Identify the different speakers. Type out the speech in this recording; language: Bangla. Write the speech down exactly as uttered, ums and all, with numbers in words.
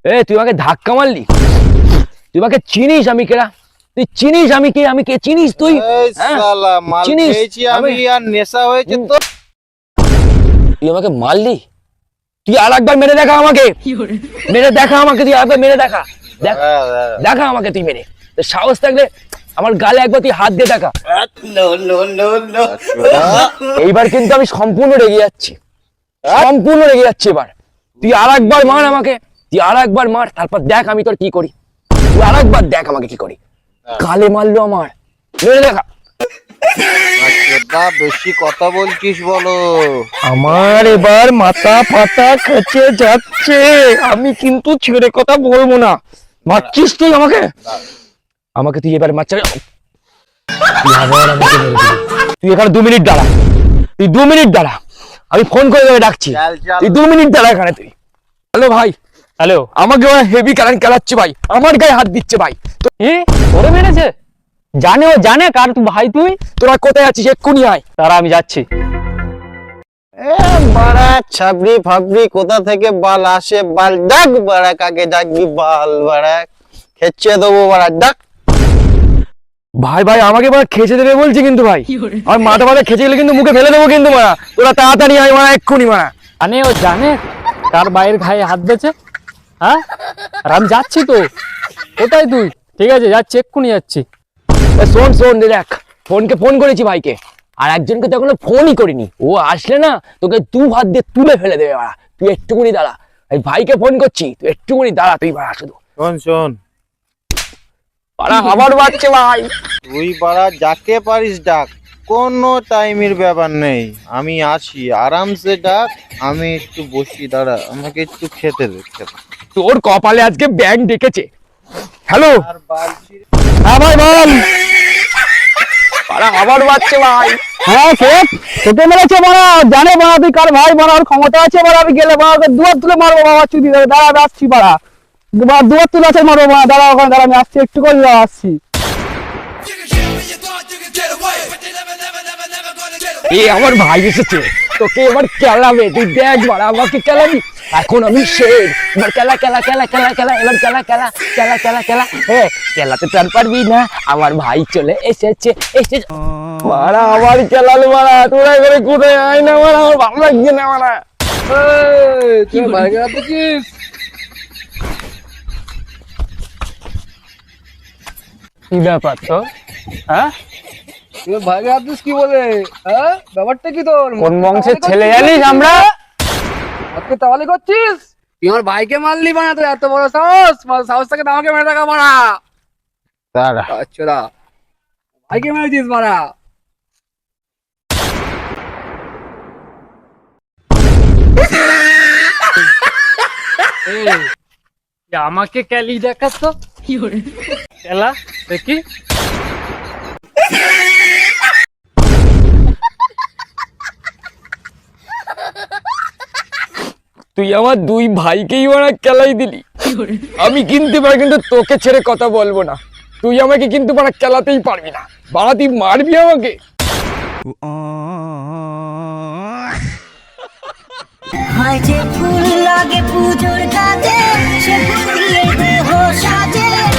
Speaker 1: এ তুই আমাকে ধাক্কা মারলি, তুই আমাকে চিনিস আমি কেডা? তুই চিনিস আমি কে? আমি কে চিনিস তুই?
Speaker 2: চিনিস আমি আর নেশা হয়েছে তো।
Speaker 1: তুই আমাকে মারলি, তুই আর একবার মেরে দেখা আমাকে, মেরে দেখা আমাকে, তুই আরেকবার মেরে দেখা, দেখা আমাকে তুই মেরে। সাহস থাকলে আমার গালে একবার তুই হাত দিয়ে দেখা। এইবার কিন্তু আমি সম্পূর্ণ রেগে যাচ্ছি, সম্পূর্ণ রেগে যাচ্ছি এবার। তুই আর একবার মার আমাকে, তুই আর একবার মার, তারপর দেখ আমি তোর কি করি। তুই আর একবার দেখ আমাকে কি করি। গালে মারলো আমার, মেরে দেখা।
Speaker 2: বেশি কথা বলছিস বলো।
Speaker 1: আমার এবার মাথা ফাটা খেচে যাচ্ছে, আমি কিন্তু ছেড়ে কথা বলবো না। মারছিস তুই আমাকে, আমাকে তুই এবার মারছে। তুই এখানে দু মিনিট দাঁড়া, তুই দু মিনিট দাঁড়া, আমি ফোন করে দেবে ডাকছি, তুই দু মিনিট দাঁড়া এখানে তুই। হ্যালো ভাই, হ্যালো, আমাকে হেভি কারেন্ট খেলাচ্ছে ভাই, আমার গায়ে হাত দিচ্ছে ভাই।
Speaker 3: এ ওরে মেরেছে? জানে, ও জানে কার তুই ভাই? তুই
Speaker 1: তোরা কোথায় আছিস? এক্ষুনি আয়।
Speaker 3: তারা আমি যাচ্ছি।
Speaker 2: এ বাড়া ছাবড়ি ফাবড়ি কোথা থেকে বাল আসে, বাল ডাক বাড়া, কাকে ডাকবি বাল বাড়া, খেচ্ছে দেবো বাড়া, ডাক।
Speaker 1: ভাই ভাই আমাকে এবার খেচে দেবে বলছি কিন্তু ভাই, আমার মাথা মাথা খেচে গেলে কিন্তু মুখে ফেলে দেবো কিন্তু মারা। তোরা তাড়াতাড়ি আয় মারা, এক্ষুনি মারা।
Speaker 3: জানে, ও জানে কার ভাইয়ের গায়ে হাত দিয়েছে। হ্যাঁ, আর আমি যাচ্ছি তো। কোথায় তুই? ঠিক আছে যাচ্ছি, এক্ষুনি যাচ্ছি।
Speaker 1: শোন শোন দেখ, ফোনকে ফোন করেছি ভাইকে, আর একজনকে তো এখনো ফোনই করিনি। ও আসলে না তোকে দু হাত দিয়ে তুলে ফেলে দেবে মারা। তুই একটুকুনি দাঁড়া, এই ভাইকে ফোন করছি, তুই একটুকুনি দাঁড়া তুই মারা শুধু।
Speaker 2: শোন শোন
Speaker 1: পাড়া আবার বাচ্চা ভাই,
Speaker 2: তুই বাড়া যাকে পারিস ডাক, কোনো টাইমের ব্যাপার নেই, আমি আসি আরামসে ডাক। আমি একটু বসি, দাঁড়া, আমাকে একটু খেতে দে, খেতে।
Speaker 1: তোর কপালে আজকে ব্যাংক ডেকেছে। হ্যালো,
Speaker 2: আর বালছি
Speaker 1: হ্যাঁ ভাই বল। পাড়া আবার বাচ্চা ভাই।
Speaker 3: হ্যাঁ কে তোকে মেরেছে মারা? জানে মারা তুই কার ভাই? মারার ক্ষমতা আছে মারা? আমি গেলে মারা দুয়ার তুলে মারবো বাবা, চুদি ধরে। দাঁড়া আমি আসছি মারা, দুয়ার তুলে আছে মারবো মারা। দাঁড়া ওখানে দাঁড়া, আমি আসছি, একটু করে আসছি।
Speaker 1: এ আমার ভাই এসেছে, তোকে এবার খেলাবে, তুই দেখ মারা, আমাকে খেলাবি। এখন আমি শের, এবার খেলা খেলা খেলা খেলা খেলা, এবার খেলা খেলা খেলা খেলা খেলা। হ্যাঁ, খেলাতে তো আর পারবি না, আমার ভাই চলে এসেছে এসেছে মারা। আমার খেলালে মারা, তোরা এবারে কোথায় আয় না মারা, আমার ভালো লাগছে না মারা।
Speaker 3: তুই ভাইকে রাখছিস? কি ব্যাপার তো? হ্যাঁ, তুই ভাইকে রাখছিস কি বলে? হ্যাঁ, ব্যাপারটা কি তোর?
Speaker 1: কোন বংশের ছেলে জানিস আমরা?
Speaker 3: আজকে তাহলে করছিস? তুই আমার ভাইকে মারলি বানা, তোর এত বড় সাহস? সাহস থেকে আমাকে মেরে টাকা মারা।
Speaker 2: দাঁড়া।
Speaker 3: আচ্ছা, ভাইকে মেরেছিস মারা। আমাকে ক্যালি দেখাস তো, খেলা দেখি।
Speaker 1: তুই আমার দুই ভাইকেই ওরা খেলাই দিলি। আমি কিন্তু এবার কিন্তু তোকে ছেড়ে কথা বলবো না। তুই আমাকে কিন্তু ওরা খেলাতেই পারবি না, বাড়া তুই মারবি আমাকে।
Speaker 4: হয় যে ফুল লাগে পুজোর কাজে, সে ফুল দিয়ে দেহ সাজে।